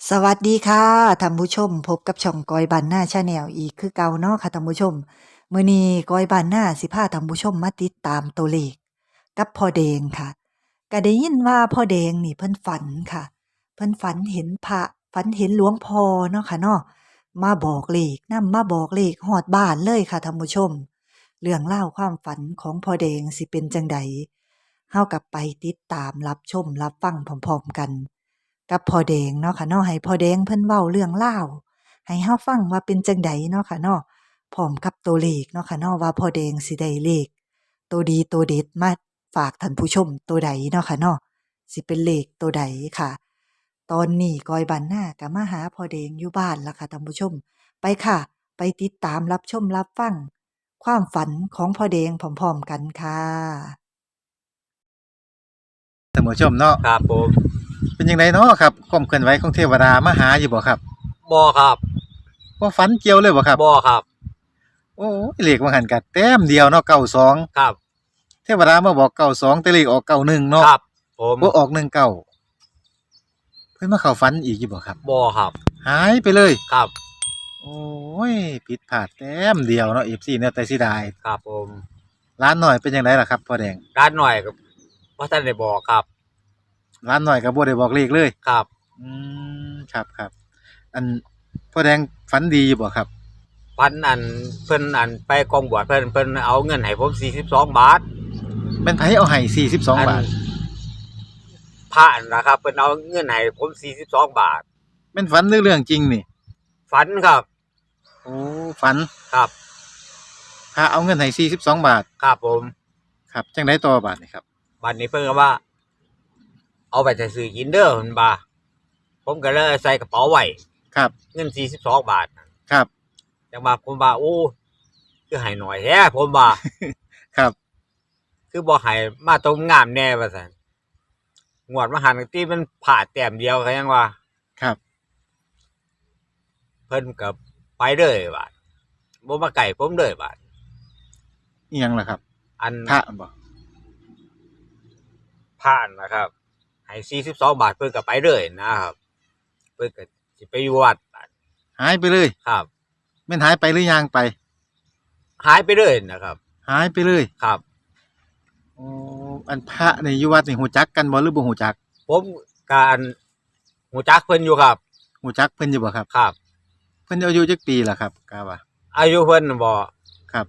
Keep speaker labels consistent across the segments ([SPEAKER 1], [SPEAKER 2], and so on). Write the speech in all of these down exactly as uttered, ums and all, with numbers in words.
[SPEAKER 1] สวัสดีค่ะท่านผู้ชมพบกับช่องกอยบ้านนาชาแนลอีกคือเก่าเนาะค่ะท่านผู้ชมมื้อนี้กอยบ้านนาสิพาท่านผู้ชมมาติดตามตัวเลขกับพ่อแดงค่ะก็ได้ยินว่าพ่อแดงนี่เพิ่นฝันค่ะเพิ่นฝันเห็นพระฝันเห็นหลวงพ่อเนาะค่ะเนาะมาบอกเลขนำมาบอกเลขฮอดบ้านเลยค่ะท่านผู้ชมเรื่องราวความฝันของพ่อแดงสิเป็นจังใดเฮากับไปติดตามรับชมรับฟังพร้อมๆกัน กับพ่อแดงเนาะค่ะเนาะให้พ่อแดงเพิ่นเว้าเรื่องราวให้เฮาฟังว่าเป็นจั่งใดเนาะค่ะเนาะพร้อมกับตัวเลขเนาะค่ะเนาะว่าพ่อแดงสิได้เลขตัวดีตัวเด็ดมาฝากท่านผู้ชมตัวใดเนาะค่ะเนาะสิเป็นเลขตัวใดค่ะตอนนี้กอยบ้านนาก็มาหาพ่อแดงอยู่บ้านแล้วค่ะท่านผู้ชมไปค่ะไปติดตามรับชมรับฟังความฝันของพ่อแดงพร้อมๆกันค่ะ
[SPEAKER 2] ท่านผู้ชมเนาะ
[SPEAKER 3] ครับผม
[SPEAKER 2] เป็นจังไดเนาะครับความเคลื่อนไหวของเทวดามาหาอยู่บ่ครับ
[SPEAKER 3] บ่ครับ
[SPEAKER 2] บ่ฝันเกี่ยวเลยบ่ครับ
[SPEAKER 3] บ่ครับ
[SPEAKER 2] โอ้ยเลขว่าหันก็แต้มเดียวเนาะเก้าสอง
[SPEAKER 3] ครับ
[SPEAKER 2] เทวดามาบอกเก้าสองแต่เลขออกเก้าหนึ่งเนาะ
[SPEAKER 3] ครับผม
[SPEAKER 2] บ่ออกหนึ่งเก้าเพิ่นมาเข้าฝันอีกอยู่บ่ครับ
[SPEAKER 3] บ่ครับ
[SPEAKER 2] หายไปเลย
[SPEAKER 3] ครับ
[SPEAKER 2] โอ้ยผิดพลาดแต้มเดียวเนาะ เอฟ ซี เนี่ยแต่เสียดาย
[SPEAKER 3] ครับผม
[SPEAKER 2] ร้านน้อยเป็นจังไดล่ะครับพ่อแดง
[SPEAKER 3] ร้านหน่อยก็บ่ทันได้บอกครับ
[SPEAKER 2] ร้านน้อยก็บ่ได้บอกเลขเลย
[SPEAKER 3] ครับ
[SPEAKER 2] อืมครับๆอันพ่อแดงฝันดีอยู่บ่ครับ
[SPEAKER 3] พันอันเพิ่นอันไปกองบวชเพิ่นเพิ่นเอาเงินให้ผมสี่สิบสองบาท
[SPEAKER 2] แม่นไผเอาให้สี่สิบสองบาท
[SPEAKER 3] พระนะครับเพิ่นเอาเงินให้ผมสี่สิบสองบาท
[SPEAKER 2] แม่นฝันหรือเรื่องจริงนี่
[SPEAKER 3] ฝันครับ
[SPEAKER 2] โอ้ฝัน
[SPEAKER 3] ครับ
[SPEAKER 2] พระเอาเงินให้สี่สิบสองบาท
[SPEAKER 3] ครับผม
[SPEAKER 2] ครับจังได๋ต่อบาดนี่ครับ
[SPEAKER 3] บัดนี้เพิ่นก็ว่าเอาไปซื้อกินเด้อเพิ่นว่าผมก็เลยใส่กระเป๋าไว้
[SPEAKER 2] ครับ
[SPEAKER 3] เงินสี่สิบสองบาท
[SPEAKER 2] ครับ
[SPEAKER 3] จังว่าผมว่าโอ้คือให้น้อยแท้ผมว่า
[SPEAKER 2] ครับ
[SPEAKER 3] คือบ่ให้มาตรงงามแน่ว่าซั่นงวดมาหันติมันพลาดแต้มเดียวก็ยังว่า
[SPEAKER 2] ครับ
[SPEAKER 3] เพิ่นก็ไปเลยบาดบ่มาใกล้ผมเลยบาด
[SPEAKER 2] อิหยังล่ะครับ
[SPEAKER 3] อัน
[SPEAKER 2] พระบ่
[SPEAKER 3] ผ่านนะครับให้สี่สิบสองบาทเพิ่นก็ไปเลยนะครับเพิ่นก็สิไปอยู่วัดบาด
[SPEAKER 2] หายไปเลย
[SPEAKER 3] ครับ
[SPEAKER 2] แม่นหายไปหรือย่างไป
[SPEAKER 3] หายไปเลยนะครับ
[SPEAKER 2] หายไปเลย
[SPEAKER 3] ครับ
[SPEAKER 2] อ๋ออันพระนี่อยู่วัดนี่ฮู้จักกันบ่หรือบ่ฮู้จัก
[SPEAKER 3] ผมก็อันฮู้จักเพิ่นอยู่ครับ
[SPEAKER 2] ฮู้จักเพิ่นอยู่บ่ครับ
[SPEAKER 3] ครับ
[SPEAKER 2] เพิ่นอายุจักปีล่ะครับกะว่า
[SPEAKER 3] อายุเพิ่นบ่
[SPEAKER 2] ครับ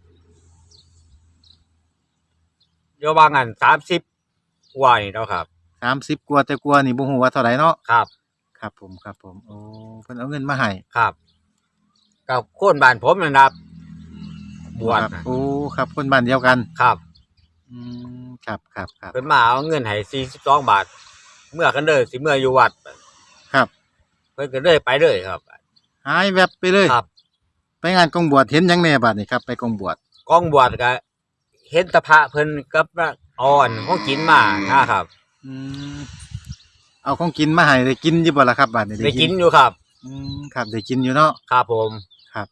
[SPEAKER 3] อยู่ว่างั้นสามสิบกว่านี่เนาะครับ
[SPEAKER 2] สามสิบกว่าแต่กว่านี่บ่ฮู้ว่าเท่าใดเนาะ
[SPEAKER 3] ครับ
[SPEAKER 2] ครับผมครับผมโอ้เพิ่นเอาเงินมาให้
[SPEAKER 3] ครับกับคนบ้านผมนั่นครับบวช
[SPEAKER 2] โอ้ครับคนบ้านเดียวกัน
[SPEAKER 3] ครับ
[SPEAKER 2] อืมครับๆๆ
[SPEAKER 3] เพิ่นมาเอาเงินให้สี่สิบสองบาทเมื่อกันเด้อสิเมื่ออยู่วัด
[SPEAKER 2] ครับ
[SPEAKER 3] เพิ่นก็เลยไปเลยครับ
[SPEAKER 2] หายแวบไปเลย
[SPEAKER 3] ครับ
[SPEAKER 2] ไปงานกองบวชเห็นหยังแหน่บัดนี้ครับไปกองบวช
[SPEAKER 3] กองบวชก็เห็นแตะพระเพิ่นกับอ่อนของกินมานะครับ
[SPEAKER 2] อืมเอาของกินมาให้ได้กินอยู่บ่ล่ะครับบัดนี้
[SPEAKER 3] ได้กินอยู่ครับ
[SPEAKER 2] อืมครับได้กินอยู่เนาะ
[SPEAKER 3] ครับผม
[SPEAKER 2] ครับ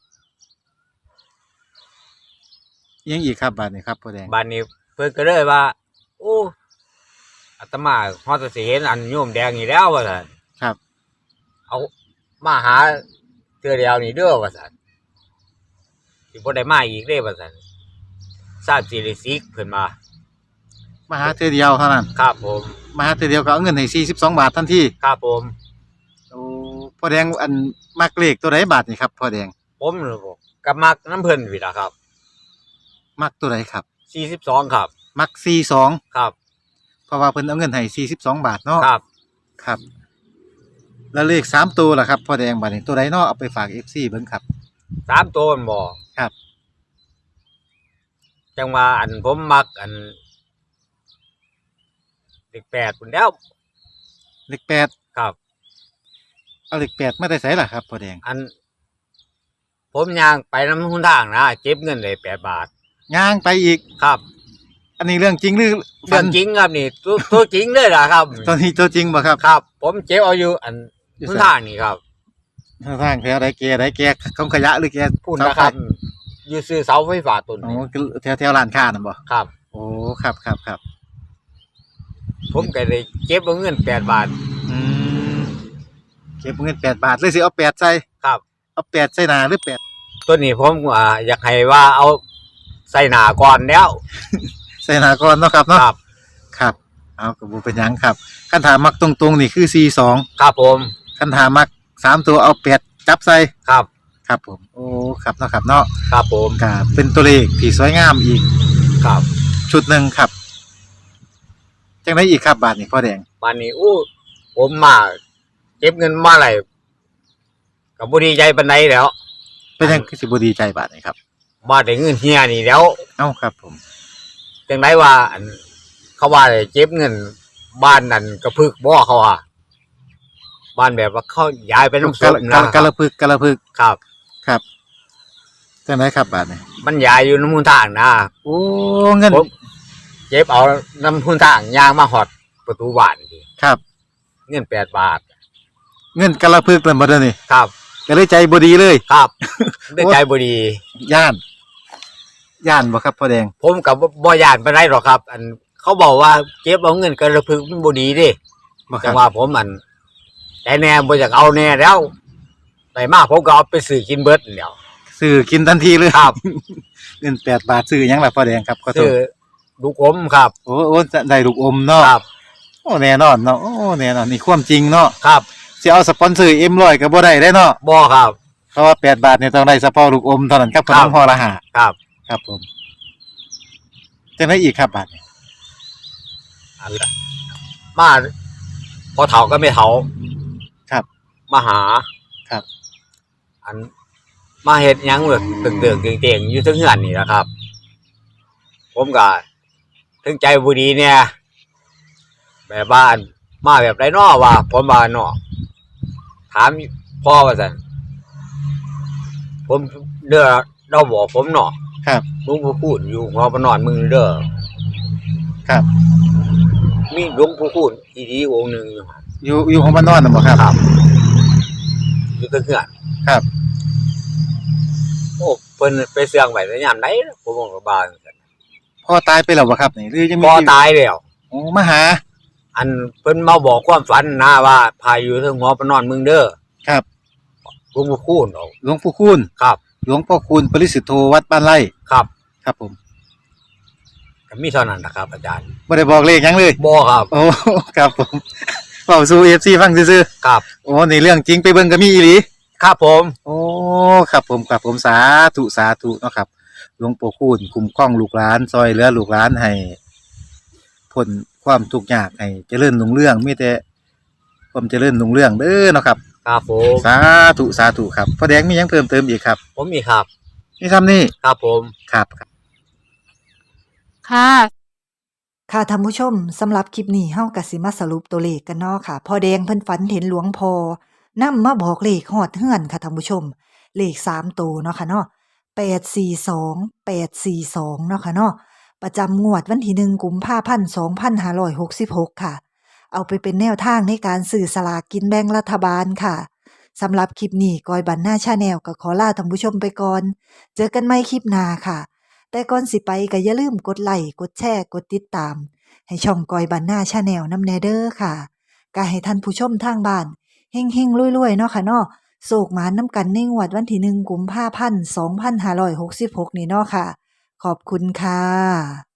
[SPEAKER 2] ยังอีกครับบัดนี้ครับพ่อแดง
[SPEAKER 3] บัดนี้เพิ่นก็เลยว่าโอ้อาตมาฮอดสิเห็นอันโยมแดงนี่แล้วว่าซั่น
[SPEAKER 2] ครับ
[SPEAKER 3] เอามาหาเทื่อเดียวนี่เด้อว่าซั่นสิบ่ได้มาอีกเด้ว่าซั่นทราบสิริสิกเพิ่นมา
[SPEAKER 2] มาหาเทื่อเดียวเท่านั้น
[SPEAKER 3] ครับผม
[SPEAKER 2] มาหาเทื่อเดียวก็เอาเงินให้สี่สิบสองบาททันที
[SPEAKER 3] ครับผม
[SPEAKER 2] โอ้พ่อแดงอันมักเลขตัวใดบาทนี่ครับพ่อแดง
[SPEAKER 3] ผมเหรอบ่ก็มักน้ำเพิ่นพี่ล่ะครับ
[SPEAKER 2] มักตัวใดครับ
[SPEAKER 3] สี่สิบสองครับ
[SPEAKER 2] มักสี่สิบสอง
[SPEAKER 3] ครับ
[SPEAKER 2] เพราะว่าเพิ่นเอาเงินให้สี่สิบสองบาทเนาะ
[SPEAKER 3] ครับ
[SPEAKER 2] ครับแล้วเลขสามตัวล่ะครับพ่อแดงบัดนี้ตัวใดเนาะเอาไปฝาก เอฟ ซี เบิ่งครับ
[SPEAKER 3] สามตัวมันบ่
[SPEAKER 2] ครับ
[SPEAKER 3] จังว่าอันผมมักอันเลขแปดพุ่นแล้ว
[SPEAKER 2] เลขแปด
[SPEAKER 3] ครับ
[SPEAKER 2] เอาเลขแปดมาแต่ไสล่ะครับพ่อแดง
[SPEAKER 3] อันผมย่างไปนำหนทางนะเก็บเงินได้แปดบาท
[SPEAKER 2] ย่างไปอีก
[SPEAKER 3] ครับ
[SPEAKER 2] อันนี้เรื่องจริงหรือ
[SPEAKER 3] เรื่องจริงครับนี่ตัวตัวจริงเลยล่ะครับ
[SPEAKER 2] ตัวนี้ตัวจริงบ่ครับ
[SPEAKER 3] ครับผมเก็บเอาอยู่อันหนทางนี่ครับ
[SPEAKER 2] หนทางแถวใดแกใดแกของขยะหรือแก
[SPEAKER 3] พูดนะครับอยู่ซื้อเสาไฟฟ้าต้น
[SPEAKER 2] อ๋อแถวๆร้านค้านั่นบ่
[SPEAKER 3] ครับ
[SPEAKER 2] โอ้ครับๆๆ
[SPEAKER 3] ผมก็ได้เก็บเอาเงินแปดบาท
[SPEAKER 2] อืมเก็บเงินแปดบาทเลยสิเอาแปดใส่
[SPEAKER 3] ครับ
[SPEAKER 2] เอาแปดใส่หน้าหรือแปด
[SPEAKER 3] ตัวนี้ผมอ่าอยากให้ว่าเอาใส่หนาก่อนแล้ว
[SPEAKER 2] ใส่หน้าก่อนเนาะครับ
[SPEAKER 3] ค
[SPEAKER 2] เนาะ
[SPEAKER 3] รับ
[SPEAKER 2] ครับเอาก็บ่เป็นหยังครับคันถามมักตรงๆนี่คือสี่สอง
[SPEAKER 3] ครับผม
[SPEAKER 2] คันถามมักสามตัวเอาแปดจับใส่
[SPEAKER 3] ครับ
[SPEAKER 2] ครับผมโอ้ครับเนาะครับเนาะ
[SPEAKER 3] ครับผม
[SPEAKER 2] ก็เป็นตัวเลขที่สวยงามอีก
[SPEAKER 3] ครับ
[SPEAKER 2] ชุดหนึ่งครับจังได๋อีกครับบาทนี่พ่อแดง
[SPEAKER 3] วันนี้อู้ผมมาเก็บเงินมาไหลกับบุดีใจปันไดแล้ว
[SPEAKER 2] เป็นจังคือสิบ่ดีใจบาทนี่ครับ
[SPEAKER 3] มาแต่เงินเฮียนี่แล้ว
[SPEAKER 2] เอ้าครับผม
[SPEAKER 3] จังไดว่าอันเขาว่าได้เก็บเงินบ้านนั่นกระพึกบ่เขาว่าบ้านแบบว่าเขาย้ายไปน้ำซุ
[SPEAKER 2] กะ
[SPEAKER 3] ป
[SPEAKER 2] ละ
[SPEAKER 3] นะ
[SPEAKER 2] กะละพึกกะละพึก
[SPEAKER 3] ครับ
[SPEAKER 2] ครับจังไดครับบาทนี่
[SPEAKER 3] มันย้ายอยู่น้ำมูลทางนะ
[SPEAKER 2] โอ้เงิน
[SPEAKER 3] ผมเก็บเอาน้ำมูลทางยางมาหอดประตูบ้านที
[SPEAKER 2] ครับ
[SPEAKER 3] เงินแปดบาท
[SPEAKER 2] เงินกะละพึกนั่นบ่เด้อนี่
[SPEAKER 3] ครับ
[SPEAKER 2] ก็เลยใจบ่ดีเลย
[SPEAKER 3] ครับ ได้ใจบุดี
[SPEAKER 2] ย่านย่านบ่ครับพ่อแดง
[SPEAKER 3] ผมกับบ่ยานไปได้หรอกครับ อันเขาบอกว่าเก็บเอาเงินกระพึกมันบ่ดีเดิ
[SPEAKER 2] บ่ค
[SPEAKER 3] จั
[SPEAKER 2] รั
[SPEAKER 3] ง
[SPEAKER 2] บ
[SPEAKER 3] ว่าผมมันแต่แน่บ่อยากเอาแน่แล้วได้มากผมก็เอาไปซื้อกินเบิดแล้ว
[SPEAKER 2] ซื้อกินทันทีเลย
[SPEAKER 3] ครับ
[SPEAKER 2] เงินแปดบาทซื้อหยังล่ะพ่อแดงครับขอโท
[SPEAKER 3] ซื้
[SPEAKER 2] ษ
[SPEAKER 3] อลูกอมครับ
[SPEAKER 2] โอ้โอ้ได้ลูกอมเนาะ
[SPEAKER 3] ครับ
[SPEAKER 2] โอ้แน่นอนเนาะโอ้แน่นอนนี่ความจริงเนาะ
[SPEAKER 3] ครับ
[SPEAKER 2] สิเอาสปอนเซอร์ เอ็ม หนึ่งร้อยก็บ่ได้เด้เนาะ
[SPEAKER 3] บ่ครับ
[SPEAKER 2] เพราะว่าแปดบาทนี่ต้องได้เฉพาะลูกอมเท่านั้นครับข
[SPEAKER 3] ครั
[SPEAKER 2] น
[SPEAKER 3] บ
[SPEAKER 2] มห่อละห้า
[SPEAKER 3] ครับ
[SPEAKER 2] ครับผมจังได๋อีกครับบาทนี่
[SPEAKER 3] อันละมาพอเฒ่าก็ไม่เฒ่า
[SPEAKER 2] ครับ
[SPEAKER 3] มาหา
[SPEAKER 2] ครับ
[SPEAKER 3] อันมาเฮ็ดหยังแบบตึกๆเต่งๆอยู่เทึงเฮือนนี่แหละครับ ผมก็ถึงใจบ่ดีเนี่ยแบบบ้านมาแบบไรน้อว่าผมว่าน้อถามพ่อว่าซั่นผมเด้อเราบอกผมเนาะ
[SPEAKER 2] ครับ
[SPEAKER 3] หลวงปู่คูณอยู่หัวปนอนมึงเด้อ
[SPEAKER 2] ครับ
[SPEAKER 3] มีหลวงปู่คูณอีดีองค์หนึงอยู่หั่น
[SPEAKER 2] อยู่อยู่ของบ้านนอนน่ะบ่ครับ
[SPEAKER 3] ครับอยู่เทึงเฮือน
[SPEAKER 2] ครับ
[SPEAKER 3] โอ้เพิ่นไปเสื่องไว้แต่ยามใดผมบอกกับบ้านซั่น
[SPEAKER 2] พ่อตายไปแล้วบ่ครับนี่หรือยังมี
[SPEAKER 3] พอ
[SPEAKER 2] ชีวิ
[SPEAKER 3] ตายแล้ว
[SPEAKER 2] โอ้มาหา
[SPEAKER 3] อันเพิ่นมาบอกความฝันนะว่าพาอยู่เทึงหัวปนอนมึงเด้อ
[SPEAKER 2] ครับ
[SPEAKER 3] หลวงปู่คูณเอา
[SPEAKER 2] หลวงปู่คูณ
[SPEAKER 3] ครับ
[SPEAKER 2] หลวงพ่อคูณปริสุทธโธวัดบ้านไร่
[SPEAKER 3] ครับ
[SPEAKER 2] ครับผม
[SPEAKER 3] ก็มีเท่านั้นนะครับอาจารย์
[SPEAKER 2] บ่ได้บอกเลขหยังเลย
[SPEAKER 3] บ่ครับ
[SPEAKER 2] โอ้ ครับผมเว้าสู่ เอฟ ซี ฟังซื่อ
[SPEAKER 3] ครับ
[SPEAKER 2] ๆโอ้นี่เรื่องจริงไปเบิ่งก็มีอีหลี
[SPEAKER 3] ครับผม
[SPEAKER 2] โอ้ครับผมครับผมสาธุสาธุเนาะครับหลวงปู่คูณคุ้มครองลูกหลานซอยเหลือลูกหลานให้พ้นความทุกข์ยากให้เจริญรุ่งเรืองมีแต่ความเจริญรุ่งเรืองเด้อเนาะครับ
[SPEAKER 3] ครับผม
[SPEAKER 2] สาธุสาธุครับพ่อแดงมีหยังเพิ่มเติมอีกครับ
[SPEAKER 3] ผมมีครับ
[SPEAKER 2] มีซ้ำนี่
[SPEAKER 3] ครับผม
[SPEAKER 2] ครับ
[SPEAKER 4] ค่ะ
[SPEAKER 1] ค่ะท่านผู้ชมสำหรับคลิปนี้เฮาก็สิมาสรุปตัวเลขกันเนาะค่ะพ่อแดงเพิ่นฝันเห็นหลวงพ่อนำมาบอกเลขฮอดเฮือนค่ะท่านผู้ชม เลขสามตัวเนาะค่ะเนาะแปด สี่ สอง แปด สี่ สองเนาะค่ะเนาะประจำงวดวันที่หนึ่งกุมภาพันธ์สองพันห้าร้อยหกสิบหกค่ะ เอาไปเป็นแนวทางในการซื้อสลากกินแบ่งรัฐบาลค่ะสำหรับคลิปนี้กอยบันหน้าชาแนลก็ขอลาท่านผู้ชมไปก่อน เจอกันใหม่คลิปหน้าค่ะ แต่ก่อนสิไปก็อย่าลืมกดไลค์กดแชร์กดติดตาม ให้ช่องกอยบันหน้าชาแนลนำแนเด้อค่ะก็ให้ท่านผู้ชมทางบ้านเฮงๆรวยๆเนาะค่ะเนาะโศกหมานน้ำกันในงวดวันที่หนึ่งกุมภาพันธ์สองพันห้าร้อยหกสิบหกนี่เนาะค่ะ ขอบคุณค่ะ